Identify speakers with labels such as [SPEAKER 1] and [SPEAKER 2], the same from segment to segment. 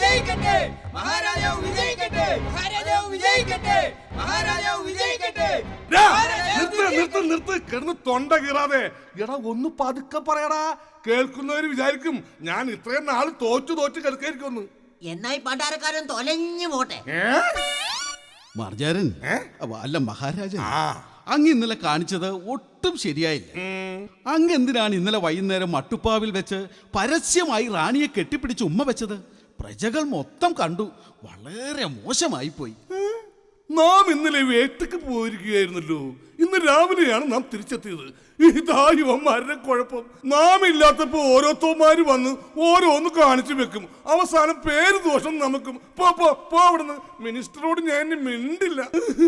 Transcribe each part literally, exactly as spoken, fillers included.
[SPEAKER 1] വിജയിക്കട്ടെ, മഹാരാജാവ് വിജയിക്കട്ടെ, മഹാരാജാവ് വിജയിക്കട്ടെ, മഹാരാജാവ് വിജയിക്കട്ടെ.
[SPEAKER 2] നിർത്ത് നിർത്ത് നിർത്ത് കിടന്ന് തൊണ്ട കീറാതെ. എടാ ഒന്ന് പതുക്കെ പറയടാ, കേൾക്കുന്നവര് വിചാരിക്കും ഞാൻ ഇത്രയും നാള് തോറ്റു തോറ്റ് കിടക്കായിരിക്കും.
[SPEAKER 3] എന്നായി പണ്ടാരക്കാരൻ തൊലഞ്ഞു പോട്ടെ.
[SPEAKER 4] മാർജാരൻ അല്ല മഹാരാജൻ, അങ്ങ് ഇന്നലെ കാണിച്ചത് ഒട്ടും ശരിയായില്ല. അങ്ങ് എന്തിനാണ് ഇന്നലെ വൈകുന്നേരം മട്ടുപ്പാവിൽ വെച്ച് പരസ്യമായി റാണിയെ കെട്ടിപ്പിടിച്ച് ഉമ്മ വെച്ചത്? പ്രജകൾ മൊത്തം കണ്ടു. വളരെ മോശമായി പോയി.
[SPEAKER 2] നാം ഇന്നലെ വേട്ടയ്ക്ക് പോയിരിക്കുകയായിരുന്നല്ലോ. ഇന്ന് രാവിലെയാണ് നാം തിരിച്ചെത്തിയത്. ഇതാ യുവന്മാരുടെ കുഴപ്പം. നാം ഇല്ലാത്തപ്പോ ഓരോരുത്തന്മാര് വന്ന് ഓരോന്ന് കാണിച്ചു വെക്കും. അവസാനം പേര് ദോഷം നമുക്കും. പോ പോ പോ അവിടുന്ന്. മിനിസ്റ്ററോട് ഞാൻ മിണ്ടില്ല.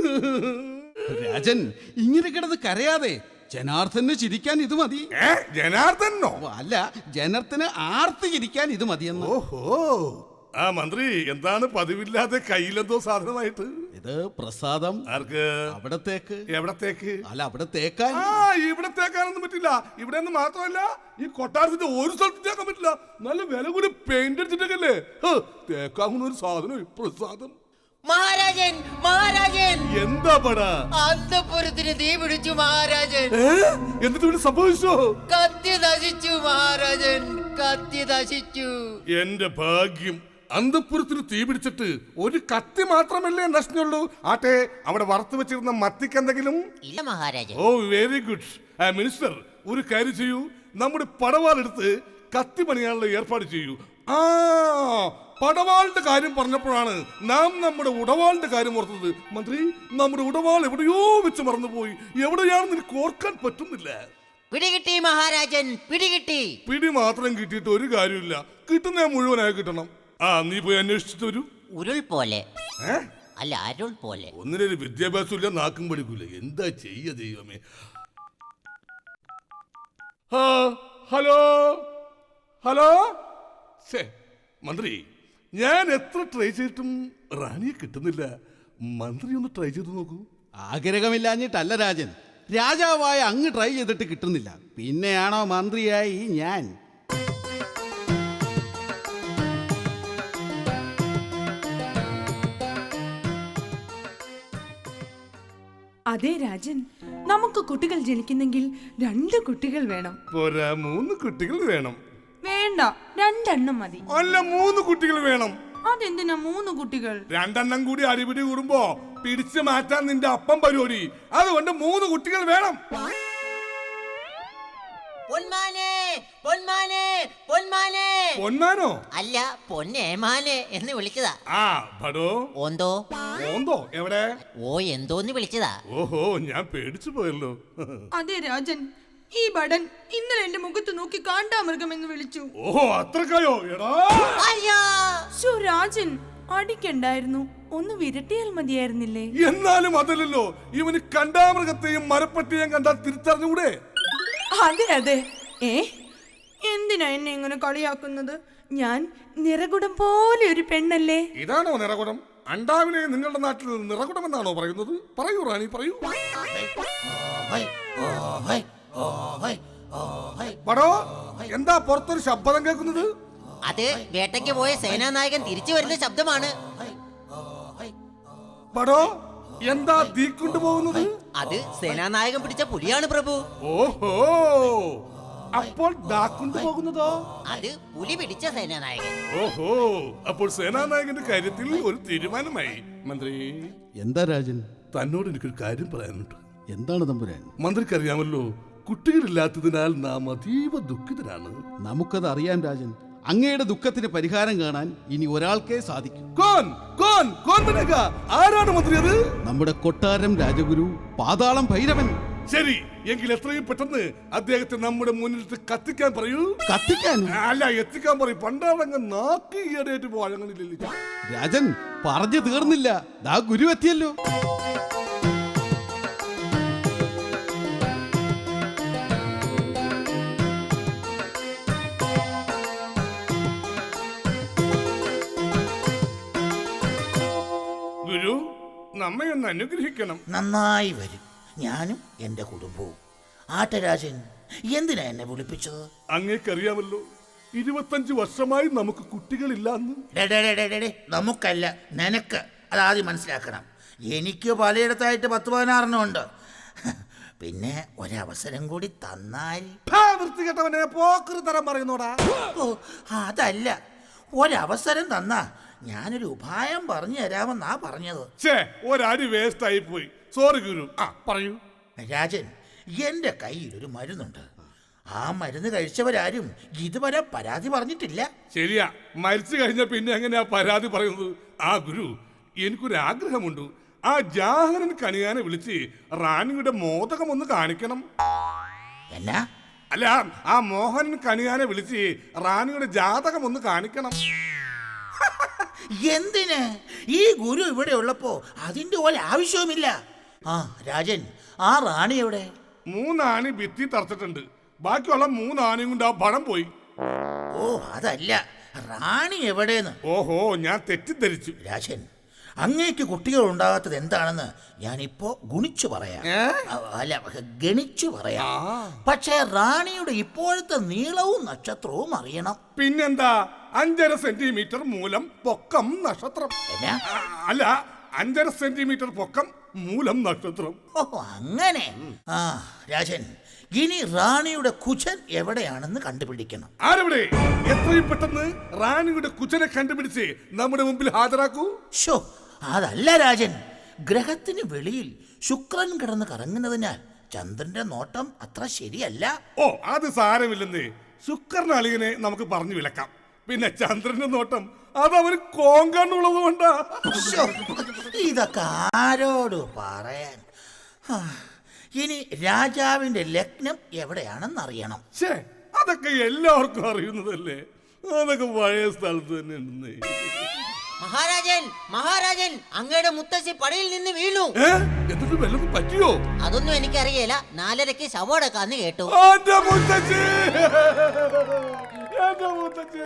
[SPEAKER 4] രാജൻ ഇങ്ങനെ കിടന്ന് കരയാതെ. ജനാർദ്ദന് ചിരിക്കാൻ ഇത് മതി.
[SPEAKER 2] ജനാർദ്ദനോ?
[SPEAKER 4] അല്ല, ജനത്തിന് ആർത്തി ചിരിക്കാൻ ഇത് മതിയെന്ന്.
[SPEAKER 2] ഓഹോ, ആ മന്ത്രി എന്താണ് പതിവില്ലാതെ കയ്യിലെന്തോ സാധനമായിട്ട്?
[SPEAKER 4] ഇത് പ്രസാദം.
[SPEAKER 2] ആർക്ക്?
[SPEAKER 4] അവിടത്തേക്ക്.
[SPEAKER 2] എവിടത്തേക്ക്?
[SPEAKER 4] അല്ല, അവിടെ തേക്കാൻ.
[SPEAKER 2] ആ, ഇവിടെ തേക്കാനൊന്നും പറ്റില്ല. ഇവിടെ നിന്ന് മാത്രമല്ല, ഈ കൊട്ടാരത്തിന്റെ ഒരു സ്ഥലത്ത് തേക്കാൻ പറ്റില്ല. നല്ല വില കൂടി പെയിന്റ് അടിച്ചിട്ടൊക്കെ തേക്കാവുന്ന ഒരു സാധനം പ്രസാദം.
[SPEAKER 3] മഹാരാജൻ, മഹാരാജൻ,
[SPEAKER 2] എന്താ പടാ?
[SPEAKER 3] അന്തപുരത്തിന് തീ പിടിച്ചു മഹാരാജൻ.
[SPEAKER 2] എന്നിട്ട് ഇവിടെ സംഭവിച്ചോ?
[SPEAKER 3] കത്തി നശിച്ചു മഹാരാജൻ, കത്തി നശിച്ചു.
[SPEAKER 2] എന്റെ ഭാഗ്യം. അന്തപുരത്തിന് തീ പിടിച്ചിട്ട് ഒരു കത്തി മാത്രമല്ലേ നശിച്ചുള്ളൂ? ആട്ടെ, അവിടെ വറുത്തു വെച്ചിരുന്ന മത്തിക്ക് എന്തെങ്കിലും?
[SPEAKER 3] ഇല്ല മഹാരാജൻ.
[SPEAKER 2] ഓ, വെരി ഗുഡ്. മിനിസ്റ്റർ, ഒരു കാര്യം ചെയ്യൂ. നമ്മുടെ പടവാളെടുത്ത് കത്തി പണിയാനുള്ള ഏർപ്പാട് ചെയ്യൂ. ആ, പടവാളിന്റെ കാര്യം പറഞ്ഞപ്പോഴാണ് നാം നമ്മുടെ ഉടവാളിന്റെ കാര്യം ഓർത്തത്. മന്ത്രി, നമ്മുടെ ഉടവാൾ എവിടെയോ വെച്ച് മറന്നുപോയി. എവിടെയാണെന്ന് എനിക്ക് ഓർക്കാൻ പറ്റുന്നില്ല.
[SPEAKER 3] പിടികിട്ടി മഹാരാജൻ, പിടികിട്ടി.
[SPEAKER 2] പിടി മാത്രം കിട്ടിയിട്ട് ഒരു കാര്യമില്ല. കിട്ടുന്ന മുഴുവനായി കിട്ടണം. ആ, നീ പോയി അന്വേഷിച്ചിട്ട് വരൂ.
[SPEAKER 3] ഉരുൾ പോലെ അല്ല, അരുൾ പോലെ.
[SPEAKER 2] ഒന്നിനൊരു വിദ്യാഭ്യാസം ഇല്ല, നാക്കും പഠിക്കൂല. എന്താ ചെയ്യ ദൈവമേ. Hello hello. മന്ത്രി, ഞാൻ എത്ര ട്രൈ ചെയ്തിട്ടും റാണിയെ കിട്ടുന്നില്ല. മന്ത്രി ഒന്ന് ട്രൈ ചെയ്ത് നോക്കൂ.
[SPEAKER 4] ആഗ്രഹമില്ലാഞ്ഞിട്ടല്ല രാജൻ, രാജാവായ അങ്ങ് ട്രൈ ചെയ്തിട്ട് കിട്ടുന്നില്ല. പിന്നെയാണോ മന്ത്രിയായി ഞാൻ?
[SPEAKER 5] അതെ രാജൻ, നമുക്ക് കുട്ടികൾ ജനിക്കുന്നെങ്കിൽ രണ്ട് കുട്ടികൾ വേണം.
[SPEAKER 2] പോരാ, മൂന്ന് കുട്ടികൾ വേണം.
[SPEAKER 5] വേണ്ട, രണ്ടെണ്ണം മതി.
[SPEAKER 2] അല്ല, മൂന്ന് കുട്ടികൾ വേണം.
[SPEAKER 5] അതെന്തിനാ മൂന്ന് കുട്ടികൾ?
[SPEAKER 2] രണ്ടെണ്ണം കൂടി അടിപിടി കൂടുമ്പോ പിടിച്ചു മാറ്റാൻ നിന്റെ അപ്പം പരിപാടി. അതുകൊണ്ട് മൂന്ന് കുട്ടികൾ വേണം.
[SPEAKER 3] പൊന്മാനെ, പൊന്മാനെ, പൊന്മാനെ.
[SPEAKER 2] പൊന്മാനോ?
[SPEAKER 3] അല്ല, പൊന്നേമാനെ എന്ന് വിളിച്ചതാ.
[SPEAKER 2] ആ, ഭടോ.
[SPEAKER 3] ഓന്തോ?
[SPEAKER 2] ഓന്തോ എവിടെ?
[SPEAKER 3] ഓ, എന്തോന്ന് വിളിച്ചതാ.
[SPEAKER 2] ഓഹോ, ഞാൻ പേടിച്ചു പോയല്ലോ.
[SPEAKER 5] അതെ രാജൻ, ഈ ബടൻ ഇന്നലെ എന്റെ മുഖത്ത് നോക്കി കാണ്ടാമൃഗം എന്ന് വിളിച്ചു.
[SPEAKER 2] ഓഹോ, അത്രക്കായോ? എടാ
[SPEAKER 5] രാജൻ, അടിക്കണ്ടായിരുന്നു, ഒന്ന് വിരട്ടിയാൽ മതിയായിരുന്നില്ലേ?
[SPEAKER 2] എന്നാലും അതല്ലല്ലോ, ഇവന് കണ്ടാമൃഗത്തെയും മരപ്പട്ടിയെയും കണ്ടാൽ തിരിച്ചറിഞ്ഞൂടെ?
[SPEAKER 5] അതെ അതെ. ഏ, എന്തിനാ എന്നെ ഇങ്ങനെ കളിയാക്കുന്നത്? ഞാൻ നിറകുടം പോലെ ഒരു പെണ്ണല്ലേ?
[SPEAKER 2] ഇതാണോ നിറകുടം? അണ്ടാവിനെ നിങ്ങളുടെ നാട്ടിൽ നിറകുടം എന്നാണോ പറയുന്നത്? പറയൂ റാണി, പറയൂ. പടോ, എന്താ പുറത്തൊരു ശബ്ദം കേൾക്കുന്നത്?
[SPEAKER 3] അത് വേട്ടയ്ക്ക് പോയ സേനാനായകൻ തിരിച്ചു വരുന്ന ശബ്ദമാണ്.
[SPEAKER 2] പടോ, എന്താ തീ കൊണ്ടുപോകുന്നത്?
[SPEAKER 3] അത് സേനാനായകൻ പിടിച്ച പുലിയാണ് പ്രഭു.
[SPEAKER 2] ഓഹോ, അപ്പോൾ ദാ കൊണ്ടുപോകുന്നതോ?
[SPEAKER 3] അത് പുലി പിടിച്ച സേനാനായകൻ.
[SPEAKER 2] ഓഹോ, അപ്പോൾ സേനാനായകന്റെ കാര്യത്തിൽ ഒരു തീരുമാനമായി. മന്ത്രി.
[SPEAKER 4] എന്താ രാജൻ?
[SPEAKER 2] തന്നോട് എനിക്കൊരു കാര്യം പറയാനുണ്ട്.
[SPEAKER 4] എന്താണ് തമ്പുരാൻ?
[SPEAKER 2] മന്ത്രിക്കറിയാമല്ലോ, കുട്ടികളില്ലാത്തതിനാൽ നാം അതീവ ദുഃഖിതരാണ്.
[SPEAKER 4] നമുക്കത് അറിയാം രാജൻ. അങ്ങയുടെ ദുഃഖത്തിന് പരിഹാരം കാണാൻ ഇനി ഒരാൾക്കേ സാധിക്കും.
[SPEAKER 2] കോൻ കോൻ കോൻ ബനേഗ? ആരാണ് മന്ത്രി അത്?
[SPEAKER 4] നമ്മുടെ കൊട്ടാരം രാജഗുരു പാതാളം ഭൈരവൻ.
[SPEAKER 2] ശരി, എങ്കിൽ എത്രയും പെട്ടെന്ന് അദ്ദേഹത്തെ നമ്മുടെ മുന്നിൽ കത്തിക്കാൻ പറയൂ.
[SPEAKER 4] കത്തിക്കാൻ?
[SPEAKER 2] അല്ല, എത്തിക്കാൻ പറയും. പണ്ടാളങ്ങ് നാക്കി ഈടേറ്റ് പോഴങ്ങളില്ലല്ലോ.
[SPEAKER 4] രാജൻ പറഞ്ഞു തീർന്നില്ല, ദാ ഗുരു എത്തിയല്ലോ.
[SPEAKER 2] ഗുരു, നമ്മെ ഒന്ന് അനുഗ്രഹിക്കണം.
[SPEAKER 6] നന്നായി വരും. ഞാനും എന്റെ കുടുംബവും. ആട്ടരാജൻ, എന്തിനാ എന്നെ വിളിപ്പിച്ചത്?
[SPEAKER 2] അങ്ങേക്കറിയാമല്ലോ, ഇരുപത്തഞ്ച് വർഷമായി നമുക്ക് കുട്ടികളില്ലാന്ന്.
[SPEAKER 6] ഡേ, ഡേ, ഡേ, ഡേ, ഡേ, ഡേ, നമുക്കല്ല, നിനക്ക്. അതാദ്യം മനസ്സിലാക്കണം. എനിക്ക് പലയിടത്തായിട്ട് പത്ത് പതിനാറെണ്ണം ഉണ്ട്. പിന്നെ ഒരവസരം കൂടി തന്നാൽ.
[SPEAKER 2] വൃത്തികെട്ടവനെ പോക്കറി തരം പറയുന്നോടാ.
[SPEAKER 6] ഓ, അതല്ല, ഒരവസരം തന്നാ ഞാനൊരു ഉപായം പറഞ്ഞു തരാമെന്നാ പറഞ്ഞത്.
[SPEAKER 2] ഛേ, ഒരടി വേസ്റ്റ് ആയി പോയി. സോറി ഗുരു. ആ പറയൂ.
[SPEAKER 6] രാജൻ, എൻ്റെ കയ്യിൽ ഒരു മരുന്നുണ്ട്. ആ മരുന്ന് കഴിച്ചവരാരും ഇതുവരെ പരാതി പറഞ്ഞിട്ടില്ല.
[SPEAKER 2] ശരിയാ, മരിച്ചു കഴിഞ്ഞ പിന്നെ എങ്ങനെയാ പരാതി പറയുന്നത്? ആ ഗുരു, എനിക്കൊരു ആഗ്രഹമുണ്ട്. ആ ജാഹരൻ കണിയാനെ വിളിച്ച് റാണിയുടെ മോദകം ഒന്ന് കാണിക്കണം.
[SPEAKER 6] എന്നാ?
[SPEAKER 2] അല്ല, ആ മോഹൻ കണിയാനെ വിളിച്ച് റാണിയുടെ ജാതകം ഒന്ന് കാണിക്കണം.
[SPEAKER 6] എന്തിന്? ഈ ഗുരു ഇവിടെ ഉള്ളപ്പോ അതിന്റെ ഒരു ആവശ്യവുമില്ല. ആ രാജൻ, ആ റാണി എവിടെ?
[SPEAKER 2] മൂന്നാണി ഭിത്തി തറച്ചിട്ടുണ്ട്. ബാക്കിയുള്ള മൂന്നാണിയും കൊണ്ട് ആ പണം പോയി.
[SPEAKER 6] ഓ, അതല്ല, റാണി എവിടെന്ന്.
[SPEAKER 2] ഓഹോ, ഞാൻ തെറ്റിദ്ധരിച്ചു.
[SPEAKER 6] രാജൻ, അങ്ങേക്ക് കുട്ടികൾ ഉണ്ടാകാത്തത് എന്താണെന്ന് ഞാനിപ്പോ ഗുണിച്ചു പറയാം. അല്ല, ഗണിച്ചു പറയാം. പക്ഷേ റാണിയുടെ ഇപ്പോഴത്തെ നീളവും നക്ഷത്രവും അറിയണം.
[SPEAKER 2] പിന്നെന്താ, അഞ്ചര സെന്റിമീറ്റർ മൂലം പൊക്കം നക്ഷത്രം.
[SPEAKER 6] എന്നാ?
[SPEAKER 2] ആ, അല്ല, അഞ്ചര സെന്റിമീറ്റർ പൊക്കം മൂലം നക്ഷത്രം.
[SPEAKER 6] ഓ, അങ്ങനെ. ആ രാജൻ, ഇനി റാണിയുടെ കുചൻ എവിടെയാണെന്ന് കണ്ടുപിടിക്കണം.
[SPEAKER 2] ആരെവിടെ? എത്രയും പെട്ടെന്ന് റാണിയുടെ കുചനെ കണ്ടുപിടിച്ച് നമ്മുടെ മുമ്പിൽ ഹാജരാക്കൂ.
[SPEAKER 6] ഷോ, അതല്ല രാജൻ, ഗ്രഹത്തിന് വെളിയിൽ ശുക്രൻ കിടന്ന് കറങ്ങുന്നതിനാൽ ചന്ദ്രന്റെ നോട്ടം അത്ര ശരിയല്ല.
[SPEAKER 2] ഓ, അത് സാരമില്ലെന്നേ. ശുക്രൻ അളിയനെ നമുക്ക് പറഞ്ഞു വിലക്കാം. പിന്നെ ചന്ദ്രന്റെ നോട്ടം അത് അവന് കോങ്കണ്ണുള്ളത് കൊണ്ടാ.
[SPEAKER 6] ശ്ശോ, ഇതൊക്കെ ആരോട് പറയാൻ. ആ, ഇനി രാജാവിന്റെ ലഗ്നം എവിടെയാണെന്ന് അറിയണം.
[SPEAKER 2] ഛേ, അതൊക്കെ എല്ലാവർക്കും അറിയുന്നതല്ലേ. അതൊക്കെ പഴയ സ്ഥലത്ത് തന്നെ ഉണ്ടെന്നേ.
[SPEAKER 3] മഹാരാജൻ, മഹാരാജൻ, അങ്ങയുടെ മുത്തശ്ശി പടയിൽ നിന്ന് വീണു.
[SPEAKER 2] ഏ, എന്നിട്ട് വല്ലതും പറ്റിയോ?
[SPEAKER 3] അതൊന്നും എനിക്കറിയില്ല. നാലരയ്ക്ക് ശവടക്കാന്ന് കേട്ടു.
[SPEAKER 2] എന്റെ മുത്തച്ഛി, എന്റെ മുത്തച്ഛി.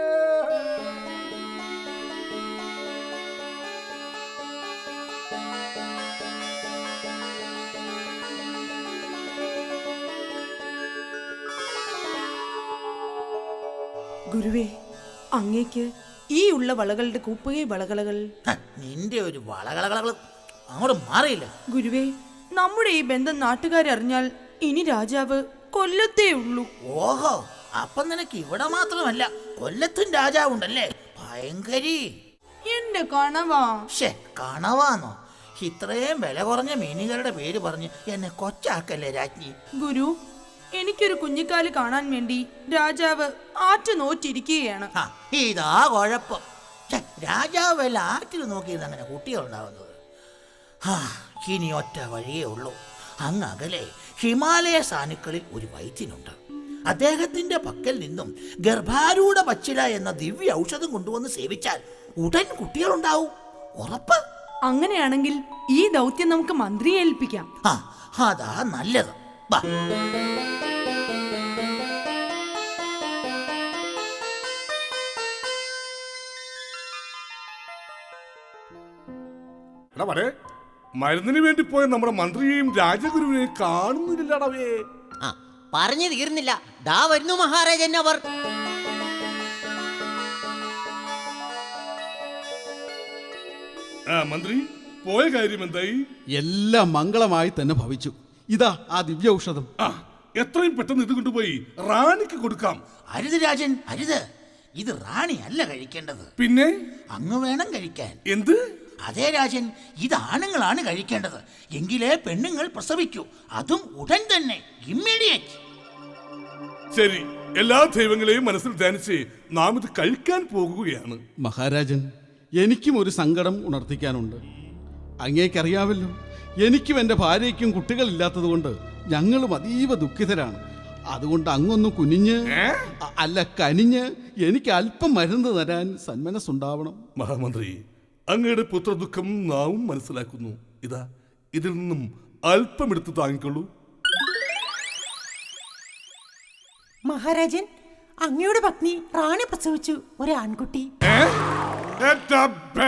[SPEAKER 5] ഗുരുവേ, അങ്ങേക്ക് ഈ ഉള്ള വളകളുടെ കൂപ്പുകൈ വളകളകൾ.
[SPEAKER 6] ഹ, നിന്റെ ഒരു വളകളകളകൾ അങ്ങോട്ട് മാറിയില്ല.
[SPEAKER 5] ഗുരുവേ, നമ്മുടെ ഈ ബന്ധം നാട്ടുകാരറിഞ്ഞാൽ ഇനി രാജാവ് കൊല്ലത്തേ ഉള്ളൂ.
[SPEAKER 6] ഓഹോ, അപ്പം നിനക്ക് ഇവിടെ മാത്രമല്ല കൊല്ലത്തും രാജാവുണ്ടല്ലേ? ഭയങ്കരി.
[SPEAKER 5] എന്റെ കണവാ.
[SPEAKER 6] ഷേ, കണവാന്നോ? ഇത്രയും വില കുറഞ്ഞ മീനുകളുടെ പേര് പറഞ്ഞ് എന്നെ കൊച്ചാക്കല്ലേ രാജ്ഞി.
[SPEAKER 5] ഗുരു, എനിക്കൊരു കുഞ്ഞിക്കാല് കാണാൻ വേണ്ടി രാജാവ് ആറ്റു നോറ്റിരിക്കുകയാണ്.
[SPEAKER 6] ആ, ഇതാ കുഴപ്പം. ഛെ, രാജാവ് വല്ല ആറ്റിൽ നോക്കിയിരുന്ന അങ്ങനെ കുട്ടികളുണ്ടാവുന്നത്. ആ, ഇനി ഒറ്റ വഴിയേ ഉള്ളൂ. അങ്ങ് അകലെ ഹിമാലയ സാനുക്കളിൽ ഒരു വൈദ്യനുണ്ട്. അദ്ദേഹത്തിന്റെ പക്കൽ നിന്നും ഗർഭാരൂഢ പച്ചില എന്ന ദിവ്യ ഔഷധം കൊണ്ടുവന്ന് സേവിച്ചാൽ ഉടൻ കുട്ടികളുണ്ടാവും. ഉറപ്പ്.
[SPEAKER 5] അങ്ങനെയാണെങ്കിൽ ഈ ദൗത്യം നമുക്ക് മന്ത്രിയെ ഏൽപ്പിക്കാം.
[SPEAKER 6] ആ, അതാ നല്ലത്. വാ.
[SPEAKER 2] എടാ പറേ, മരുന്നിന് വേണ്ടി പോയ നമ്മുടെ മന്ത്രിയെയും രാജഗുരുവിനെയും കാണുന്നില്ലടവേ.
[SPEAKER 3] ആ, പറഞ്ഞു തീർന്നില്ല. ദാ വരുന്നു മഹാരാജൻ അവർ.
[SPEAKER 2] ആ മന്ത്രി, പോയ കാര്യം എന്തായി?
[SPEAKER 4] എല്ലാം മംഗളമായി തന്നെ ഭവിച്ചു. ഇതാ ആ ദിവ്യ ഔഷധം.
[SPEAKER 2] ആ, എത്രയും പെട്ടെന്ന് ഇത് കൊണ്ടുപോയി റാണിക്ക് കൊടുക്കാം.
[SPEAKER 6] അരുത് രാജൻ, അരുത്. ഇത് റാണി അല്ല കഴിക്കേണ്ടത്.
[SPEAKER 2] പിന്നെ
[SPEAKER 6] അങ്ങ് വേണം കഴിക്കാൻ.
[SPEAKER 2] എന്ത്?
[SPEAKER 6] അതേ രാജൻ, ഇത് ആണുങ്ങളാണ് കഴിക്കേണ്ടത്. എങ്കിലേ പെണ്ണുങ്ങൾ പ്രസവിക്കൂ. അതും ഉടൻ തന്നെ, ഇമ്മീഡിയറ്റ്.
[SPEAKER 2] ശരി, എല്ലാ ദൈവങ്ങളെയും മനസ്സിൽ ധ്യാനിച്ച് നാം ഇത് കഴിക്കാൻ പോകുകയാണ്.
[SPEAKER 4] മഹാരാജൻ, എനിക്കും ഒരു സങ്കടം ഉണർത്തിക്കാനുണ്ട്. അങ്ങേക്കറിയാവല്ലോ, എനിക്കും എൻ്റെ ഭാര്യയ്ക്കും കുട്ടികളില്ലാത്തത് കൊണ്ട് ഞങ്ങളും അതീവ ദുഃഖിതരാണ്. അതുകൊണ്ട് അങ്ങൊന്ന് കുനിഞ്ഞ്, അ- അല്ല കനിഞ്ഞ് എനിക്ക് അല്പം മരുന്ന് തരാൻ സന്മനസ്സുണ്ടാവണം.
[SPEAKER 2] മഹാമന്ത്രി, അങ്ങയുടെ പുത്രദുഃഖം നാവും മനസ്സിലാക്കുന്നു. ഇതാ, ഇതിൽ നിന്നും അല്പം എടുത്ത് താങ്ങിക്കൊള്ളൂ.
[SPEAKER 7] മഹാരാജൻ, അങ്ങയുടെ പത്നി റാണി പ്രസവിച്ചു ഒരു ആൺകുട്ടി.
[SPEAKER 2] ഏ? എന്റെ ബേ.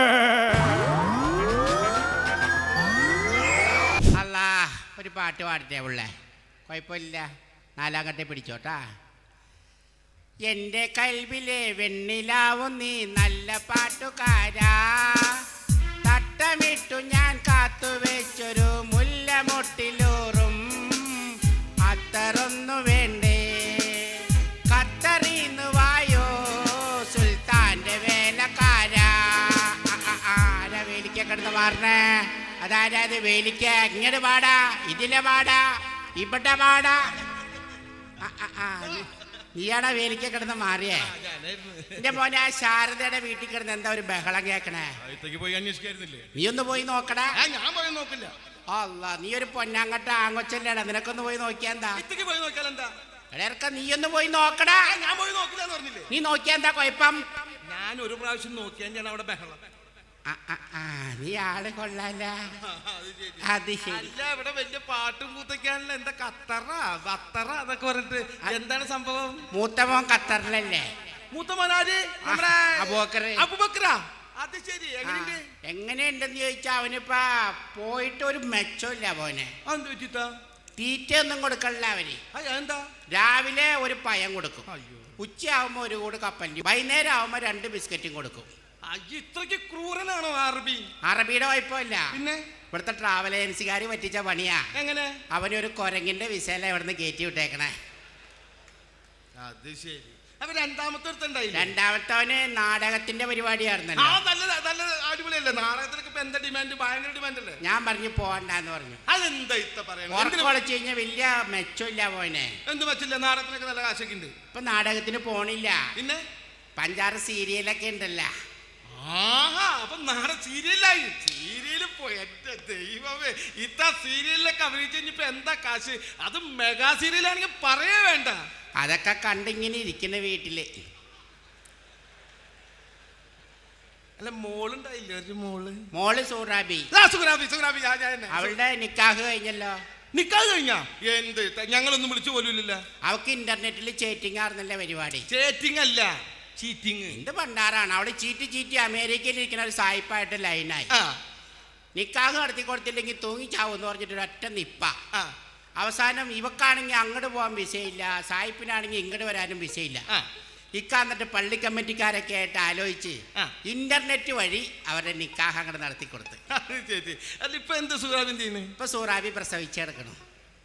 [SPEAKER 8] അല്ലാ, ഒരു പാട്ട് പാടട്ടെ ഉള്ളേ? കുഴപ്പമില്ല, നാലാം കട്ടെ പിടിച്ചോട്ടാ. എന്റെ കൽവിലെ വെണ്ണിലാവും നീ നല്ല പാട്ടുകാരാ, തട്ടമിട്ടു ഞാൻ കാത്തുവെച്ചൊരു മുല്ലമൊട്ടിലൂറും അത്തറൊന്നു വേണ്ടേ, ഖത്തറിന്ന് വായോ സുൽത്താന്റെ വേലക്കാരാ. ആരാ വേലിക്ക കിടന്ന് മാറണേ? അതാരാ ഇത് വേലിക്ക? ഇങ്ങോട്ട് പാടാ, ഇതിലെ പാടാ, ഇവിടെ പാടാ. നീയാണോ വേലിക്ക കിടന്ന് മാറിയേ? എന്റെ മോനെ ആ ശാരദയുടെ വീട്ടിൽ കിടന്ന് എന്താ ഒരു ബഹളം കേക്കണേ?
[SPEAKER 2] പോയി അന്വേഷിക്കായിരുന്നില്ലേ?
[SPEAKER 8] നീ ഒന്ന് പോയി നോക്കടാ.
[SPEAKER 2] ഞാൻ പോയി നോക്കില്ല.
[SPEAKER 8] അല്ല, നീ ഒരു പൊന്നാങ്കട്ട ആങ്കൊച്ചല്ലേടാ, നിനക്കൊന്ന് പോയി നോക്കിയാ എന്താ?
[SPEAKER 2] പോയി നോക്കിയാൽ എന്താ?
[SPEAKER 8] ഇടയ്ക്ക നീ ഒന്ന് പോയി നോക്കടാ.
[SPEAKER 2] ഞാൻ പോയി നോക്കില്ല എന്ന് പറഞ്ഞില്ലേ?
[SPEAKER 8] നീ നോക്കിയാ എന്താ കുഴപ്പം?
[SPEAKER 2] ഞാൻ ഒരു പ്രാവശ്യം നോക്കിയാൽ ഞാൻ അവിടെ ബഹളം.
[SPEAKER 8] ആ, ആ, ആ, നീ ആള് കൊള്ളാല. അത് ശരി.
[SPEAKER 2] അല്ല, ഇവിടെ വലിയ പാട്ടും കൂത്തൊക്കെയാണല്ലോ. എന്താ ഖത്തറ ബത്തറ അതൊക്കെ പറഞ്ഞിട്ട് എന്താണ് സംഭവം?
[SPEAKER 8] മൂത്തമോൻ ഖത്തറിലല്ലേ?
[SPEAKER 2] മൂത്തമോനാര്? നമ്മുടെ
[SPEAKER 8] അബൂബക്കറ്.
[SPEAKER 2] അബൂബക്കറാ? അത് ശരി. എങ്ങനെയുണ്ട്?
[SPEAKER 8] എങ്ങനെയുണ്ടെന്ന് ചോദിച്ചാ അവനിപ്പാ പോയിട്ട് ഒരു മെച്ചമില്ല പോനെ.
[SPEAKER 2] അതെന്ത് പറ്റിട്ടാ?
[SPEAKER 8] തീറ്റ ഒന്നും കൊടുക്കണില്ല അവന്.
[SPEAKER 2] എന്താ?
[SPEAKER 8] രാവിലെ ഒരു പഴം കൊടുക്കും, ഉച്ചയാവുമ്പോ ഒരു കൂട് കപ്പലി, വൈകുന്നേരം ആവുമ്പോ രണ്ട് ബിസ്ക്കറ്റും കൊടുക്കും.
[SPEAKER 2] ഇത്രയ്ക്ക് ക്രൂരനാണോ അറബി?
[SPEAKER 8] അറബിയുടെ കുഴപ്പമില്ല,
[SPEAKER 2] പിന്നെ
[SPEAKER 8] ഇവിടുത്തെ ട്രാവൽ ഏജൻസിക്കാർ പറ്റിച്ച പണിയാ.
[SPEAKER 2] എങ്ങനെ?
[SPEAKER 8] അവനൊരു കൊരങ്ങിന്റെ വിസയില ഇവിടുന്ന് കയറ്റി വിട്ടേക്കണേ.
[SPEAKER 2] അത് ശരി. അപ്പൊ രണ്ടാമത്തെ അടുത്തുണ്ടായില്ല?
[SPEAKER 8] രണ്ടാമത്തവന് നാടകത്തിന്റെ പരിപാടിയായിരുന്നല്ലോ.
[SPEAKER 2] അടിപൊളിയല്ലേ നാടകത്തിനൊക്കെ? ഇപ്പൊ എന്താ ഡിമാൻഡ്? ഭയങ്കര ഡിമാൻഡ് അല്ലേ?
[SPEAKER 8] ഞാൻ പറഞ്ഞു പോവണ്ടെന്ന് പറഞ്ഞു.
[SPEAKER 2] അതെന്താ ഇത്ത പറയുന്നത്?
[SPEAKER 8] ഉറക്കൊളിച്ചു കഴിഞ്ഞാൽ വലിയ മെച്ചമില്ല പോനെ.
[SPEAKER 2] എന്ത് മെച്ചില്ല? നാടകത്തിനൊക്കെ നല്ല കാശൊക്കെ ഉണ്ട്.
[SPEAKER 8] ഇപ്പൊ നാടകത്തിന് പോണില്ല,
[SPEAKER 2] പിന്നെ
[SPEAKER 8] പഞ്ചാറ് സീരിയലൊക്കെ ഉണ്ടല്ലോ.
[SPEAKER 2] ആഹാ, അപ്പൊ നാടൻ സീരിയലായി. സീരിയല് പോയി. എന്റെ ദൈവമേ, ഇത്ത സീരിയലിലൊക്കെ അഭിനയിച്ച് കഴിഞ്ഞപ്പോ എന്താ കാശ്? അത് മെഗാ സീരിയലാണെങ്കിൽ പറയേ വേണ്ട.
[SPEAKER 8] അതൊക്കെ കണ്ടിങ്ങനെ ഇരിക്കുന്ന വീട്ടില്.
[SPEAKER 2] അല്ല, മോളുണ്ടായില്ല? ഒരു മോള്
[SPEAKER 8] മോള് സൂറാബി.
[SPEAKER 2] സുഖരാബി സുഖരാബി
[SPEAKER 8] അവളുടെ നിക്കാഹ് കഴിഞ്ഞല്ലോ.
[SPEAKER 2] നിക്കാഹ് കഴിഞ്ഞാ? എന്ത്? ഞങ്ങളൊന്നും വിളിച്ചു പോലുമില്ല.
[SPEAKER 8] അവക്ക് ഇന്റർനെറ്റിൽ ചേറ്റിംഗ് ആയിരുന്നല്ലേ പരിപാടി.
[SPEAKER 2] ചേറ്റിംഗ് അല്ല, ചീറ്റിംഗ്.
[SPEAKER 8] എന്ത് പണ്ടാറാണ്. അവള് ചീറ്റി ചീറ്റി അമേരിക്കയിൽ ഇരിക്കുന്ന ഒരു സായിപ്പായിട്ട് ലൈനായി. നിക്കാഹ് നടത്തി കൊടുത്തില്ലെങ്കിൽ തൂങ്ങിച്ചാവും എന്ന് പറഞ്ഞിട്ട് ഒറ്റ നിപ്പ. അവസാനം ഇവക്കാണെങ്കിൽ അങ്ങോട്ട് പോകാൻ വിസയില്ല, സായിപ്പിനാണെങ്കിൽ ഇങ്ങോട്ട് വരാനും വിസയില്ല. ഇക്കാന്നിട്ട് പള്ളി കമ്മിറ്റിക്കാരൊക്കെ ആയിട്ട് ആലോചിച്ച് ഇന്റർനെറ്റ് വഴി അവരുടെ നിക്കാഹ് അങ്ങോട്ട് നടത്തി കൊടുത്ത്.
[SPEAKER 2] ഇപ്പൊ എന്ത് സുഖാബി ചെയ്യുന്നു?
[SPEAKER 8] ഇപ്പൊ സൂറാബി പ്രസവിച്ചെടുക്കണം.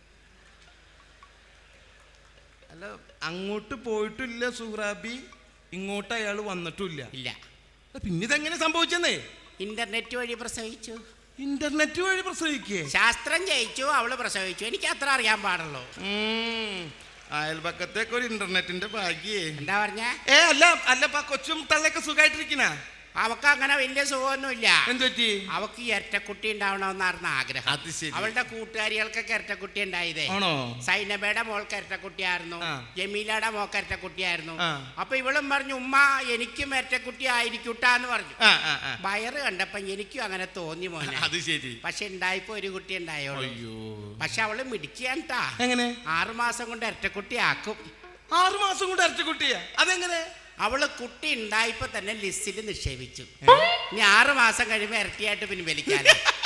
[SPEAKER 2] അല്ല, അങ്ങോട്ട് പോയിട്ടില്ല സൂറാബി, ഇങ്ങോട്ട് അയാൾ വന്നിട്ടില്ല.
[SPEAKER 8] ഇല്ല.
[SPEAKER 2] പിന്നെ ഇതെങ്ങനെ സംഭവിച്ചെന്നേ?
[SPEAKER 8] ഇന്റർനെറ്റ് വഴി പ്രസവിച്ചു.
[SPEAKER 2] ഇന്റർനെറ്റ് വഴി പ്രസവിക്കേ?
[SPEAKER 8] ശാസ്ത്രം ജയിച്ചു, അവള് പ്രസവിച്ചു. എനിക്ക് അത്ര അറിയാൻ പാടുള്ളൂ.
[SPEAKER 2] അയൽപക്കത്തേക്ക് ഒരു ഇന്റർനെറ്റിന്റെ ഭാഗ്യേ.
[SPEAKER 8] എന്താ പറഞ്ഞ?
[SPEAKER 2] ഏ അല്ല അല്ല, കൊച്ചും തള്ളയൊക്കെ സുഖമായിട്ടിരിക്കണ?
[SPEAKER 8] അവക്ക് അങ്ങനെ വലിയ സുഖമൊന്നുമില്ല.
[SPEAKER 2] എന്ത് പറ്റി?
[SPEAKER 8] അവക്ക് ഇരട്ടക്കുട്ടി ഉണ്ടാവണമെന്നായിരുന്നു ആഗ്രഹം.
[SPEAKER 2] അത് ശരി.
[SPEAKER 8] അവളുടെ കൂട്ടുകാരികൾക്കൊക്കെ ഇരട്ടക്കുട്ടി ഉണ്ടായതേ.
[SPEAKER 2] ആണോ?
[SPEAKER 8] സൈനബയുടെ മോൾക്ക് ഇരട്ടക്കുട്ടിയായിരുന്നു, ജമീലയുടെ മോൾക്ക് ഇരട്ടക്കുട്ടിയായിരുന്നു. അപ്പൊ ഇവളും പറഞ്ഞു, ഉമ്മ എനിക്കും ഇരട്ടക്കുട്ടി ആയിരിക്കൂട്ടാന്ന് പറഞ്ഞു. വയറ് കണ്ടപ്പോ എനിക്കും അങ്ങനെ തോന്നി മോനെ.
[SPEAKER 2] അത് ശരി.
[SPEAKER 8] പക്ഷെ ഉണ്ടായപ്പോ ഒരു കുട്ടി ഉണ്ടായോളൂ. പക്ഷെ അവള് മിടിക്കാണ്ടാ.
[SPEAKER 2] എങ്ങനെ?
[SPEAKER 8] ആറുമാസം കൊണ്ട് ഇരട്ടക്കുട്ടി ആക്കും.
[SPEAKER 2] ആറു മാസം കൊണ്ട് ഇരട്ടക്കുട്ടിയാ? അതെങ്ങനെ?
[SPEAKER 8] അവള് കുട്ടി ഉണ്ടായപ്പോ തന്നെ ലിസ്റ്റിൽ നിക്ഷേപിച്ചു. ഇനി ആറു മാസം കഴിയുമ്പോ ഇരട്ടിയായിട്ട് പിൻവലിക്കാൻ.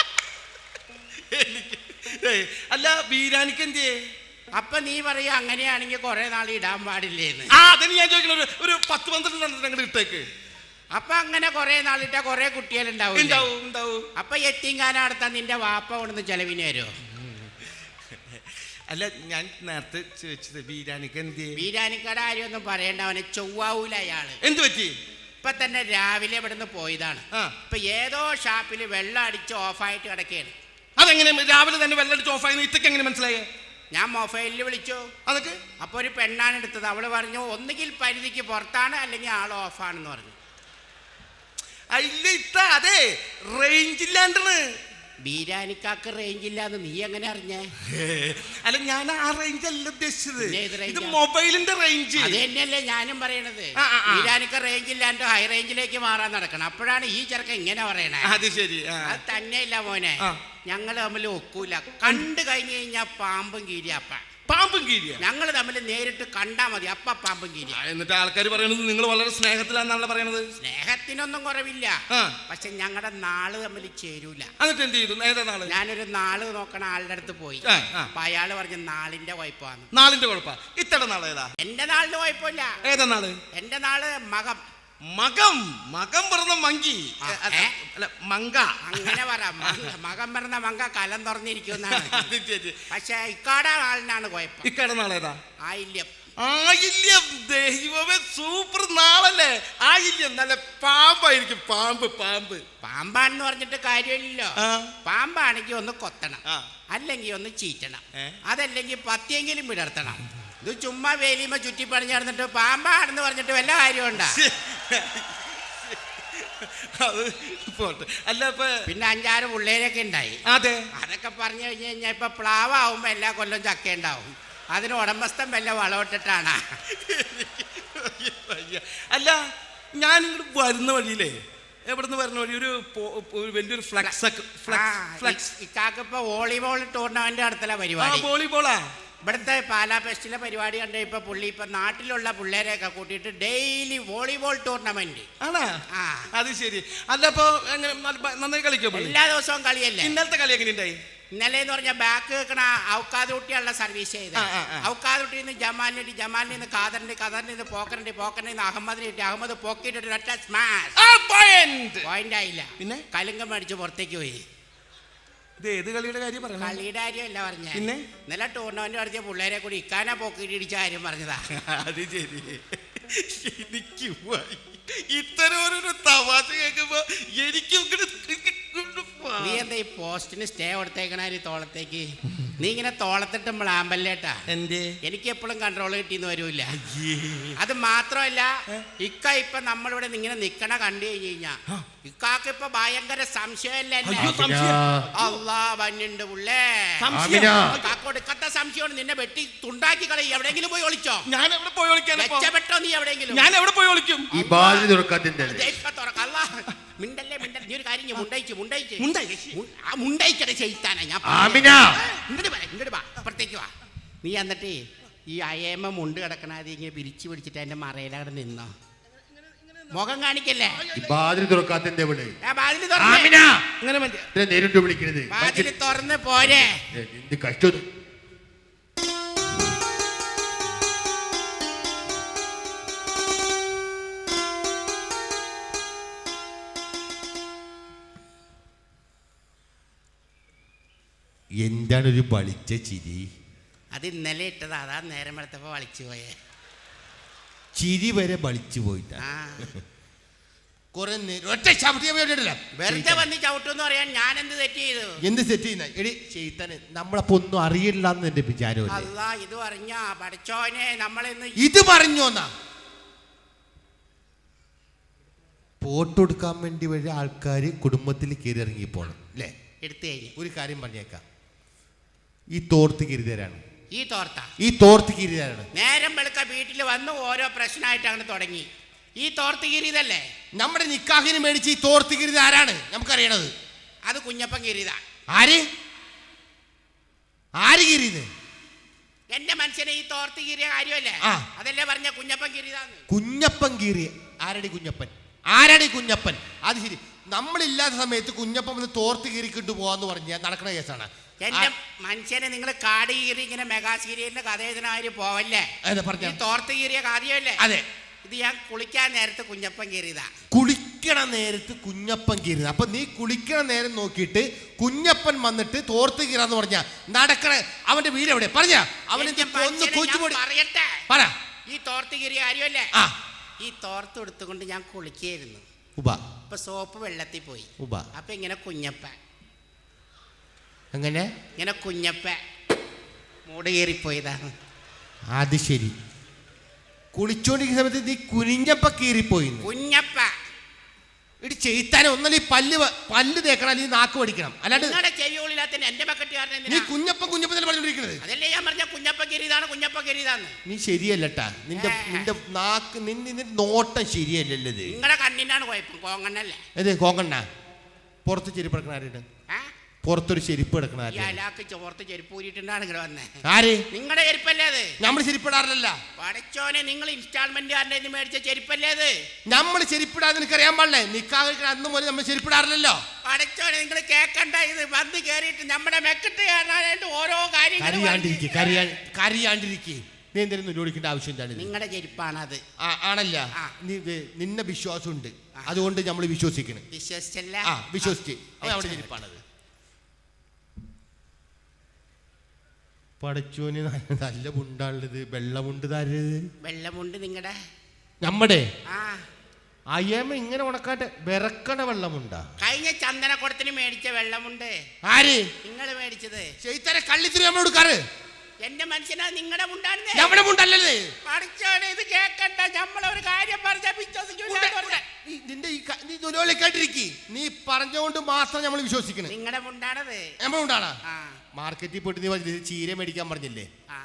[SPEAKER 2] അല്ല, ബീരാനിക്ക് എന്തേ?
[SPEAKER 8] അപ്പൊ നീ പറയാ അങ്ങനെയാണെങ്കിൽ കുറെ നാൾ ഇടാൻ പാടില്ലേന്ന്.
[SPEAKER 2] ആ അതിന് ഞാൻ ചോദിക്കണ ഒരു പത്ത് പന്ത്രണ്ട് അങ്ങോട്ട് ഇട്ടേക്ക്.
[SPEAKER 8] അപ്പൊ അങ്ങനെ കുറെ നാളിട്ട കുറെ കുട്ടികളുണ്ടാവും. അപ്പൊ എത്തിങ്കാന നടത്താൻ നിന്റെ വാപ്പ കൊണ്ടു ചെലവിന് വരുമോ?
[SPEAKER 2] അല്ല, ഞാൻ നേരത്തെ ചോദിച്ചത് ബീരാനിക്ക് എന്തേ?
[SPEAKER 8] ബീരാനിക്കട കാര്യമൊന്നും പറയണ്ട, അവനെ ചൊവ്വാവൂല അയാള്.
[SPEAKER 2] എന്ത് പറ്റി?
[SPEAKER 8] ഇപ്പൊ തന്നെ രാവിലെ ഇവിടുന്ന് പോയതാണ്. ഇപ്പൊ ഏതോ ഷാപ്പില് വെള്ളം അടിച്ച് ഓഫായിട്ട് കിടക്കുകയാണ്.
[SPEAKER 2] അതെങ്ങനെ രാവിലെ തന്നെ വെള്ളം അടിച്ച് ഓഫായി? ഇതൊക്കെ എങ്ങനെ മനസ്സിലായേ?
[SPEAKER 8] ഞാൻ മൊബൈലിൽ വിളിച്ചു.
[SPEAKER 2] അതൊക്കെ
[SPEAKER 8] അപ്പൊ ഒരു പെണ്ണാണ് എടുത്തത്. അവള് പറഞ്ഞു ഒന്നുകിൽ പരിധിക്ക് പുറത്താണ് അല്ലെങ്കിൽ ആൾ ഓഫാണെന്ന് പറഞ്ഞു.
[SPEAKER 2] ഇല്ല ഇത്ത, അതെ റേഞ്ചില്ലാണ്ടാണ്.
[SPEAKER 8] ബീരാനിക്കാക്ക് റേഞ്ച് ഇല്ലാന്ന് നീ എങ്ങനെ അറിഞ്ഞേ?
[SPEAKER 2] അല്ല, ഞാൻ ആ റേഞ്ച് അല്ല ഉദ്ദേശിച്ചത്, ഇത് മൊബൈലിന്റെ റേഞ്ച്.
[SPEAKER 8] അത് തന്നെയല്ലേ ഞാനും പറയണത്. ബീരാനിക്ക റേഞ്ച് ഇല്ലാണ്ട് ഹൈ റേഞ്ചിലേക്ക് മാറാൻ നടക്കണം. അപ്പോഴാണ് ഈ ചെറുക്കൻ ഇങ്ങനെ പറയണേ.
[SPEAKER 2] അത് ശരി.
[SPEAKER 8] അത് തന്നെയല്ല മോനെ, ഞങ്ങൾ തമ്മിൽ ഒക്കൂല. കണ്ടു കഴിഞ്ഞു കഴിഞ്ഞാ പാമ്പും കീരിയപ്പ.
[SPEAKER 9] പാമ്പും കീരിയ
[SPEAKER 8] ഞങ്ങൾ തമ്മിൽ നേരിട്ട് കണ്ടാ മതി, അപ്പ പാമ്പും കീരിയ.
[SPEAKER 9] എന്നിട്ട് ആൾക്കാർ പറയണത് നിങ്ങൾ വളരെ സ്നേഹത്തിലാണെന്നാണല്ലോ പറയണത്.
[SPEAKER 8] സ്നേഹത്തിനൊന്നും കുറവില്ല,
[SPEAKER 9] ആ.
[SPEAKER 8] പക്ഷെ ഞങ്ങളുടെ നാള് തമ്മിൽ ചേരൂല.
[SPEAKER 9] എന്നിട്ട് എന്ത് ചെയ്തു? ഏതാ നാള്?
[SPEAKER 8] ഞാനൊരു നാള് നോക്കണ ആളുടെ അടുത്ത് പോയി.
[SPEAKER 9] ആ, ആ.
[SPEAKER 8] അപ്പൊ അയാള് പറഞ്ഞ നാളിന്റെ കുഴപ്പമാണ്.
[SPEAKER 9] നാളിന്റെ കുഴപ്പ. ഇത്തടെ നാള് ഏതാ?
[SPEAKER 8] എന്റെ നാളിന് കുഴപ്പമില്ല.
[SPEAKER 9] ഏതാ നാള്?
[SPEAKER 8] എന്റെ നാള് മകം.
[SPEAKER 9] മകം. മകം പറഞ്ഞ മങ്കി
[SPEAKER 8] ആ,
[SPEAKER 9] അല്ല,
[SPEAKER 8] ഏ?
[SPEAKER 9] അല്ല, മങ്ക.
[SPEAKER 8] അങ്ങനെ പറ. മങ്ക- മകം പറഞ്ഞ മങ്ക കലം തുറന്നിരിക്കുന്നാണ്.
[SPEAKER 9] അത് ശരി.
[SPEAKER 8] പക്ഷെ ഇക്കാട നാളിനാണ് കുഴപ്പം.
[SPEAKER 9] ഇക്കടെ നാളേതാ?
[SPEAKER 8] ആയില്യം.
[SPEAKER 9] ആയില്യം. ദൈവമേ, സൂപ്പർ നാളല്ലേ ആയില്യം. നല്ല പാമ്പായിരിക്കും. പാമ്പ് പാമ്പ്
[SPEAKER 8] പാമ്പാണെന്ന് പറഞ്ഞിട്ട് കാര്യമില്ലല്ലോ.
[SPEAKER 9] ആ.
[SPEAKER 8] പാമ്പാണെങ്കിൽ ഒന്ന് കൊത്തണം,
[SPEAKER 9] ആ.
[SPEAKER 8] അല്ലെങ്കിൽ ഒന്ന് ചീറ്റണം,
[SPEAKER 9] ഏ?
[SPEAKER 8] അതല്ലെങ്കിൽ പത്തിയെങ്കിലും വിടർത്തണം. ഇത് ചുമ്മാ വേലിയുമ്പോ ചുറ്റി പണിഞ്ഞ് നടന്നിട്ട് പാമ്പാണെന്ന് പറഞ്ഞിട്ട് വല്ല കാര്യമുണ്ടാ?
[SPEAKER 9] അത് പോട്ടെ. അല്ല ഇപ്പൊ
[SPEAKER 8] പിന്നെ അഞ്ചാറ് പിള്ളേരൊക്കെ ഉണ്ടായി.
[SPEAKER 9] അതെ,
[SPEAKER 8] അതൊക്കെ പറഞ്ഞു കഴിഞ്ഞ് കഴിഞ്ഞാൽ ഇപ്പൊ പ്ലാവാകുമ്പോ എല്ലാ കൊല്ലം ചക്ക ഉണ്ടാവും. അതിന് ഉടമസ്ഥൻ വല്ല വളമിട്ടിട്ടാണ്.
[SPEAKER 9] അല്ല ഞാൻ ഇങ്ങോട്ട് വരുന്ന വഴിയിലേ, എവിടുന്ന് വരുന്ന വഴി ഒരു പോ- ഒരു വലിയൊരു ഫ്ലക്സ് ഫ്ലക്സ്
[SPEAKER 8] ഇക്കാക്ക് ഇപ്പൊ വോളിബോൾ ടൂർണമെന്റ് നടത്തല പരിപാടി.
[SPEAKER 9] വോളിബോളാ.
[SPEAKER 8] ഇവിടുത്തെ പാലാ ഫെസ്റ്റിലെ പരിപാടി കണ്ട ഇപ്പൊ പുള്ളി ഇപ്പൊ നാട്ടിലുള്ള പിള്ളേരെയൊക്കെ കൂട്ടിയിട്ട് ഡെയിലി വോളിബോൾ ടൂർണമെന്റ്
[SPEAKER 9] ആണാ?
[SPEAKER 8] ആ.
[SPEAKER 9] അത് ശരി. അല്ല അപ്പൊ എങ്ങനെ നല്ല- നന്നായി കളിക്കോ?
[SPEAKER 8] എല്ലാ ദിവസവും കളിയല്ലേ?
[SPEAKER 9] ഇന്നലത്തെ കളി എങ്ങനെ ഉണ്ടായി?
[SPEAKER 8] ഇന്നലെ എന്ന് പറഞ്ഞാൽ ബാക്ക് വെക്കണ ഔക്കാദൂട്ടിയുള്ള സർവീസ് ചെയ്ത്
[SPEAKER 9] ആ, ആ, ആ.
[SPEAKER 8] ഔക്കാദൂട്ടിൽ നിന്ന് ജമാലിന് ജമാലിൽ നിന്ന് ഖാദറിന്റെ ഖാദറിൽ നിന്ന് പോക്കറിന്റെ പോക്കറിൽ നിന്ന് അഹമ്മദിന് കിട്ടി. അഹമ്മദ് പോക്കിയിട്ട് ഒറ്റ സ്മാഷ്.
[SPEAKER 9] ആ, point.
[SPEAKER 8] പോയിന്റ് ആയില്ല.
[SPEAKER 9] പിന്നെ?
[SPEAKER 8] കലുങ്കം മേടിച്ച് പുറത്തേക്ക് പോയി.
[SPEAKER 9] ഇത് ഏത് കളിയുടെ കാര്യം പറഞ്ഞു?
[SPEAKER 8] കളിയുടെ കാര്യമല്ല പറഞ്ഞ.
[SPEAKER 9] പിന്നെ?
[SPEAKER 8] ഇന്നലെ ടൂർണമെന്റ് നടത്തിയ പിള്ളേരെ കൂടി ഇക്കാനാ പോക്കിയിട്ട് ഇടിച്ച കാര്യം പറഞ്ഞതാ.
[SPEAKER 9] അത് ശരി. എനിക്ക് വയ്യ. ഇത്തരം ഒരു തമാശ കേൾക്കുമ്പോ എനിക്ക്
[SPEAKER 8] നീ എന്താ ഈ പോസ്റ്റിന് സ്റ്റേ കൊടുത്തേക്കണ തോളത്തേക്ക്? നീ ഇങ്ങനെ തോളത്തിട്ടുമ്പോൾ ആമ്പല്ലേട്ടാ.
[SPEAKER 9] എന്റെ
[SPEAKER 8] എനിക്ക് എപ്പോഴും കൺട്രോൾ കിട്ടിയെന്ന് വരൂല. അത് മാത്രമല്ല, ഇക്ക ഇപ്പൊ നമ്മളിവിടെ ഇങ്ങനെ നിക്കണ കണ്ടു കഴിഞ്ഞു കഴിഞ്ഞാ ഇക്കാക്ക് ഇപ്പൊ ഭയങ്കര സംശയമല്ലേ? അള്ളാ വന്നുണ്ട് പുള്ളേ. കൊടുക്കത്ത സംശയമാണ്. നിന്നെ വെട്ടി തുണ്ടാക്കി കളി. എവിടെയെങ്കിലും പോയി ഒളിച്ചോ?
[SPEAKER 9] ഞാൻ എവിടെ പോയി ഒളിക്കാൻ?
[SPEAKER 8] രക്ഷപ്പെട്ടോ നീ എവിടെയെങ്കിലും?
[SPEAKER 9] ഞാൻ എവിടെ പോയി ഒളിക്കും?
[SPEAKER 1] ഈ ബാലി തുറക്കാത്തിന്റെ
[SPEAKER 8] മിണ്ടല്ലേ മിണ്ടല്ലേ. നീ ഒരു കാര്യം ചെയ്യ്, മുണ്ടയിച്ച് മുണ്ടയിച്ച്
[SPEAKER 9] മുണ്ടായി.
[SPEAKER 8] മു- ആ മുണ്ടയിക്കട ചെയ്താനാ ഞാൻ
[SPEAKER 1] ആമിന.
[SPEAKER 8] ഇങ്ങോട്ട് വാ, ഇങ്ങോട്ട് വാ, അപ്പുറത്തേക്ക് വാ. നീ എന്നിട്ട് ഈ അയേമ്മ മുണ്ട് കിടക്കണത് ഇങ്ങനെ പിരിച്ചു പിടിച്ചിട്ട് എന്റെ മറയിലവിടെ നിന്നോ. മുഖം കാണിക്കല്ലേ?
[SPEAKER 1] ഈ ബാലി തുറക്കാത്തിന്റെ ഇവിടെ
[SPEAKER 8] ആ വാതില്
[SPEAKER 1] ആമിന.
[SPEAKER 8] തുറന്ന്
[SPEAKER 9] അങ്ങനെ മതി.
[SPEAKER 1] ഇത്ര നേരിട്ട് വിളിക്കണത്
[SPEAKER 8] വാതില് തുറന്ന് പോരെ.
[SPEAKER 1] എന്ത് കഷ്ടം. എന്താണ് ഒരു വളിച്ച ചിരി?
[SPEAKER 8] അത് ഇന്നലെ ഇട്ടതാ. അതാ നേരം വെളുത്തപ്പോ വളിച്ചു പോയേ.
[SPEAKER 1] ചിരി വരെ വളിച്ചു പോയിട്ടാ.
[SPEAKER 8] ആ
[SPEAKER 1] കുറെ നേരം ഒറ്റ ചവിട്ടിയ പോയിട്ടില്ല.
[SPEAKER 8] വെറുതെ വന്ന് ചവിട്ടെന്ന് പറയാൻ ഞാൻ എന്ത് തെറ്റ് ചെയ്തു?
[SPEAKER 1] എന്ത് സെറ്റ് ചെയ്യുന്ന എടി ചെയ്താന് നമ്മളപ്പോ ഒന്നും അറിയില്ല എന്ന് എന്റെ വിചാരം.
[SPEAKER 8] അല്ലാ, ഇത് പറഞ്ഞ പഠിച്ചോനെ നമ്മളിന്ന്
[SPEAKER 1] ഇത് പറഞ്ഞോന്നാ പോട്ടെടുക്കാൻ വേണ്ടി വഴി ആൾക്കാർ കുടുംബത്തിൽ കയറി ഇറങ്ങി പോണം അല്ലേ?
[SPEAKER 8] എടുത്തു കഴിഞ്ഞു.
[SPEAKER 1] ഒരു കാര്യം പറഞ്ഞേക്കാം, ഈ തോർത്ത് കിരിതരാണ്.
[SPEAKER 8] ഈ തോർത്ത
[SPEAKER 1] ഈ തോർത്ത് കിരിതരാണ്.
[SPEAKER 8] നേരം വെളുക്ക വീട്ടിൽ വന്ന് ഓരോ പ്രശ്നമായിട്ട് അങ്ങനെ തുടങ്ങി. ഈ തോർത്ത് കീറിയതല്ലേ?
[SPEAKER 1] നമ്മുടെ നിക്കാഹിന് മേടിച്ച് ഈ തോർത്ത് കിരിത ആരാണ് നമുക്കറിയണത്?
[SPEAKER 8] അത് കുഞ്ഞപ്പൻ കീറിയത.
[SPEAKER 1] ആര് ആര് കീറിയത്?
[SPEAKER 8] എന്റെ മനുഷ്യനെ ഈ തോർത്ത് കീറിയ കാര്യമല്ലേ?
[SPEAKER 1] ആ.
[SPEAKER 8] അതല്ലേ പറഞ്ഞ കുഞ്ഞപ്പൻ കീറിയതാന്ന്.
[SPEAKER 1] കുഞ്ഞപ്പൻ കീറിയ ആരടി കുഞ്ഞപ്പൻ? ആരടി കുഞ്ഞപ്പൻ? അത് ശരി, നമ്മളില്ലാത്ത സമയത്ത് കുഞ്ഞപ്പൻ വന്ന് തോർത്ത് കീറിക്കിട്ട് പോവാന്ന് പറഞ്ഞാൽ നടക്കുന്ന കേസാണ്.
[SPEAKER 8] എന്റെ മനുഷ്യനെ നിങ്ങൾ കാട് കീറി ഇങ്ങനെ മെഗാ സീരിയലിന്റെ കഥ എഴുതുന്ന പോവല്ലേ?
[SPEAKER 1] അതെ, പറഞ്ഞോ.
[SPEAKER 8] ഈ തോർത്ത് കീറിയ കാര്യമല്ലേ?
[SPEAKER 1] അതെ.
[SPEAKER 8] ഇത് ഞാൻ കുളിക്കാൻ നേരത്ത് കുഞ്ഞപ്പൻ കീറിയതാ.
[SPEAKER 1] കുളിക്കണ നേരത്ത് കുഞ്ഞപ്പൻ കീറുന്നത്. അപ്പൊ നീ കുളിക്കണ നേരം നോക്കിയിട്ട് കുഞ്ഞപ്പൻ വന്നിട്ട് തോർത്ത് കീറാന്ന് പറഞ്ഞ നടക്കണ അവന്റെ വീട് എവിടെ? പറഞ്ഞ അവൻ
[SPEAKER 8] എന്റെ മനുഷ്യനെ ഞാൻ പറയട്ടെ.
[SPEAKER 1] പറ.
[SPEAKER 8] ഈ തോർത്ത് കീറിയ കാര്യമല്ലേ?
[SPEAKER 1] ആ.
[SPEAKER 8] ഈ തോർത്ത് എടുത്തുകൊണ്ട് ഞാൻ കുളിക്കായിരുന്നു.
[SPEAKER 1] ഉബ
[SPEAKER 8] ഇപ്പൊ സോപ്പ് വെള്ളത്തിൽ പോയി.
[SPEAKER 1] ഉബ
[SPEAKER 8] അപ്പൊ ഇങ്ങനെ കുഞ്ഞപ്പ
[SPEAKER 1] അങ്ങനെ
[SPEAKER 8] ഇങ്ങനെ കുഞ്ഞപ്പ മൂട് കീറിപ്പോയതാണ്.
[SPEAKER 1] അത് ശരി. കുളിച്ചോണ്ടിരിക്കുന്ന സമയത്ത് നീ കുനിഞ്ഞപ്പ കീറിപ്പോയി.
[SPEAKER 8] കുഞ്ഞപ്പ
[SPEAKER 1] ഇടി ചെയ്ത്താനെ ഒന്നല്ല ഈ പല്ല് വ- പല്ല് തേക്കണം, അല്ലെങ്കിൽ നാക്ക് പഠിക്കണം. അല്ലാണ്ട്
[SPEAKER 8] നിങ്ങളുടെ ചെവിയോളില്ലാത്ത എന്റെ ബക്കറ്റുകാരൻ
[SPEAKER 1] നീ
[SPEAKER 8] എന്തിനാ?
[SPEAKER 1] കുഞ്ഞപ്പൻ കുഞ്ഞപ്പൻ തന്നെ പറഞ്ഞോണ്ടിരിക്കുന്നത്.
[SPEAKER 8] അതല്ലേ ഞാൻ പറഞ്ഞ കുഞ്ഞപ്പ കീറിയതാണ് കുഞ്ഞപ്പ കീറിയതാന്ന്.
[SPEAKER 1] നീ ശരിയല്ലട്ടാ. നിന്റെ
[SPEAKER 8] ഏ.
[SPEAKER 1] നിന്റെ നാക്ക് നിന്റെ നിന്റെ നോട്ടം ശരിയല്ലല്ലത്.
[SPEAKER 8] നിങ്ങളുടെ കണ്ണിനാണ് കുഴപ്പം, കോങ്ങണ്ണല്ലേ?
[SPEAKER 1] അതെ, കോങ്കണ്ണ പുറത്ത് ചെരിപ്പറക്കണ ആരുണ്ട്?
[SPEAKER 8] ആ?
[SPEAKER 1] പുറത്തൊരു ചെരുപ്പ് എടുക്കണ
[SPEAKER 8] ഈ അലാക്ക് ചോർത്ത് ചെരുപ്പ് ഊരിട്ടുണ്ടാണ് ഇങ്ങനെ വന്നേ.
[SPEAKER 1] ആര്?
[SPEAKER 8] നിങ്ങളുടെ ചെരുപ്പല്ലേ അത്?
[SPEAKER 1] നമ്മൾ ചെരുപ്പിടാറില്ല.
[SPEAKER 8] പടച്ചോനെ, നിങ്ങൾ ഇൻസ്റ്റാൾമെന്റുകാരൻ്റെ നിന്ന് മേടിച്ച ചെരുപ്പല്ലേ അത്?
[SPEAKER 1] നമ്മൾ ചെരുപ്പിടാതെ നിനക്ക് അറിയാൻ പാടില്ലേ? നിക്കാഹ് കഴിക്കണ അന്ന് മുതൽ നമ്മൾ ചെരുപ്പിടാറില്ലല്ലോ.
[SPEAKER 8] പടച്ചോനെ, നിങ്ങൾ കേക്കണ്ട. ഇത് വന്ന് കയറിയിട്ട് നമ്മുടെ മെക്കിട്ട് കയറാനായിട്ട് ഓരോ കാര്യങ്ങൾ
[SPEAKER 1] കറിയാണ്ടിരിക്കെ കറിയാ കറിയാണ്ടിരിക്കെ നീ എന്തെങ്കിലും നിരോധിക്കേണ്ട ആവശ്യം എന്താണ്?
[SPEAKER 8] നിങ്ങളുടെ ചെരുപ്പാണത്.
[SPEAKER 1] ആണല്ല, നീ നിന്നെ വിശ്വാസമുണ്ട്, അതുകൊണ്ട് നമ്മൾ വിശ്വസിക്കണം.
[SPEAKER 8] വിശ്വസിച്ചല്ല?
[SPEAKER 1] ആ വിശ്വസിച്ച് അവിടെ ചെരുപ്പാണത്. പടച്ചോന് നല്ല മുണ്ടാണുള്ളത്. വെള്ളമുണ്ട് തരത്.
[SPEAKER 8] വെള്ളമുണ്ട് നിങ്ങളുടെ
[SPEAKER 1] നമ്മുടെ
[SPEAKER 8] ആ
[SPEAKER 1] അയ്യമ്മ ഇങ്ങനെ ഉണക്കാട്ടെ വിറക്കണ വെള്ളമുണ്ടാ.
[SPEAKER 8] കഴിഞ്ഞ ചന്ദനക്കുടത്തിന് മേടിച്ച വെള്ളമുണ്ട്.
[SPEAKER 1] ആര്?
[SPEAKER 8] നിങ്ങൾ മേടിച്ചത്.
[SPEAKER 1] ചെയ്തര കള്ളിത്തിരി നമ്മൾ കൊടുക്കാറ്.
[SPEAKER 8] എന്റെ മനുഷ്യനാ നിങ്ങളുടെ മുണ്ടാണ്.
[SPEAKER 1] നമ്മുടെ മുണ്ടല്ലേ?
[SPEAKER 8] പഠിച്ചോനെ, ഇത് കേക്കണ്ട. നമ്മളൊരു കാര്യം പറഞ്ഞ വിശ്വസിക്കൂല.
[SPEAKER 1] നിന്റെ ഈ നീ ദുലോലിക്കാണ്ടിരിക്കി. നീ പറഞ്ഞുകൊണ്ട് മാത്രം നമ്മൾ വിശ്വസിക്കണം.
[SPEAKER 8] നിങ്ങളുടെ മുണ്ടാണത്.
[SPEAKER 1] നമ്മൾ മുണ്ടാണ്.
[SPEAKER 8] ആ
[SPEAKER 1] മാർക്കറ്റിൽ പോയിട്ട് നീ പറഞ്ഞില്ലേ ചീര മേടിക്കാൻ പറഞ്ഞില്ലേ?
[SPEAKER 8] ആ.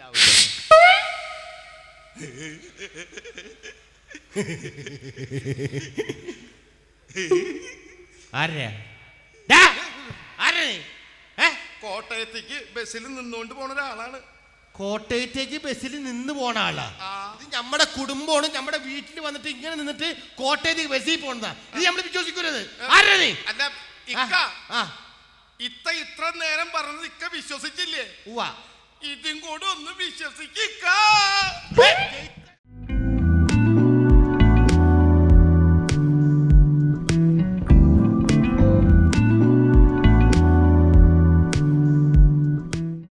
[SPEAKER 1] ആരാ? ആരാ?
[SPEAKER 2] കോട്ടയത്തേക്ക് ബസ്സിൽ നിന്നുകൊണ്ട് പോണ ഒരാളാണ്.
[SPEAKER 1] കോട്ടയത്തേക്ക് ബസ്സിൽ നിന്ന് പോണ ആളാ? ഇത് നമ്മുടെ കുടുംബമാണ്. നമ്മുടെ വീട്ടിൽ വന്നിട്ട് ഇങ്ങനെ നിന്നിട്ട് കോട്ടയത്തേക്ക് ബസ്സിൽ പോണതാ. ഇത് നമ്മൾ വിശ്വസിക്കരുത്. ആരാ നീ?
[SPEAKER 2] അല്ല ഇക്ക,
[SPEAKER 1] ആ
[SPEAKER 2] ഇത്ത ഇത്ര നേരം പറഞ്ഞത് ഇക്ക വിശ്വസിച്ചില്ലേ?
[SPEAKER 1] ഉവ്വ.
[SPEAKER 2] ഇതും കൂടെ ഒന്ന് വിശ്വസിക്ക.